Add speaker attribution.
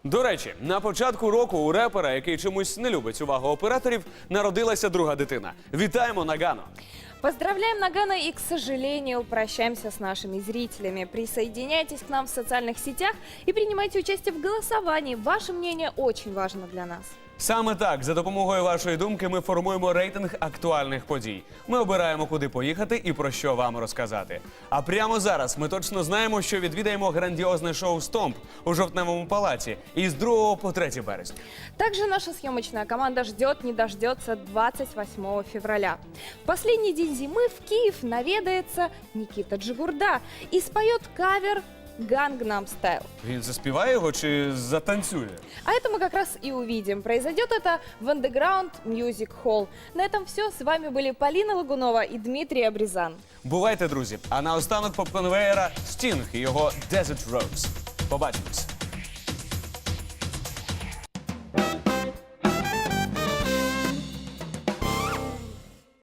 Speaker 1: До речі, на початку року у репера, який чомусь не любить увагу операторів, народилася друга дитина. Вітаємо Нагано!
Speaker 2: Поздравляем Нагано и, к сожалению, прощаемся с нашими зрителями. Присоединяйтесь к нам в социальных сетях и принимайте участие в голосовании. Ваше мнение очень важно для нас.
Speaker 1: Саме так, за допомогою вашої думки, ми формуємо рейтинг актуальних подій. Ми обираємо, куди поїхати і про що вам розказати. А прямо зараз ми точно знаємо, що відвідаємо грандіозне шоу «Стомп» у Жовтневому палаці із 2 по 3 березня.
Speaker 2: Также наша съемочная команда ждет, не дождется 28 февраля. В последний день зимы в Киев наведается Никита Джигурда и споет кавер «Gangnam Style».
Speaker 1: Він заспіває його чи затанцює?
Speaker 2: А это мы как раз и увидим. Произойдет это в Underground Music Hall. На этом все. С вами были Полина Лагунова и Дмитрий Абризан.
Speaker 1: Бувайте, друзі! А наостанок поп-конвеєра Стінг і його «Desert Rose». Побачимось!